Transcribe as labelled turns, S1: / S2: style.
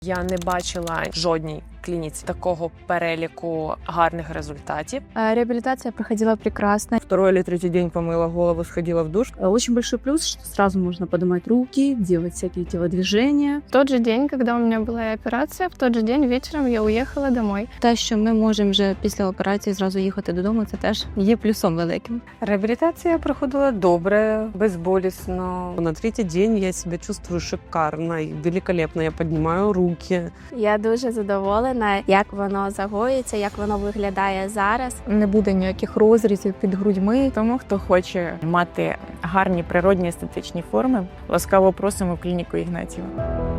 S1: Я не бачила в жодній клініці такого переліку гарних результатів.
S2: Реабилитация проходила прекрасно.
S3: Второй или третий день помыла голову, сходила в душ.
S4: Очень большой плюс, что сразу можно поднимать руки, делать всякие телодвижения.
S2: В тот же день, когда у меня была операция, в тот же день вечером я уехала домой.
S5: Те, що ми можемо вже після операції зразу їхати додому, це теж є плюсом великим.
S6: Реабілітація проходила добре, безболісно.
S3: На третий день я себя чувствую шикарно и великолепно. Я поднимаю руки.
S7: Я дуже задоволена, як воно загоюється, як воно виглядає зараз.
S8: Не буде ніяких розрізів під грудьми. Тому, хто хоче мати гарні природні естетичні форми, ласкаво просимо в клініку Ігнатієва.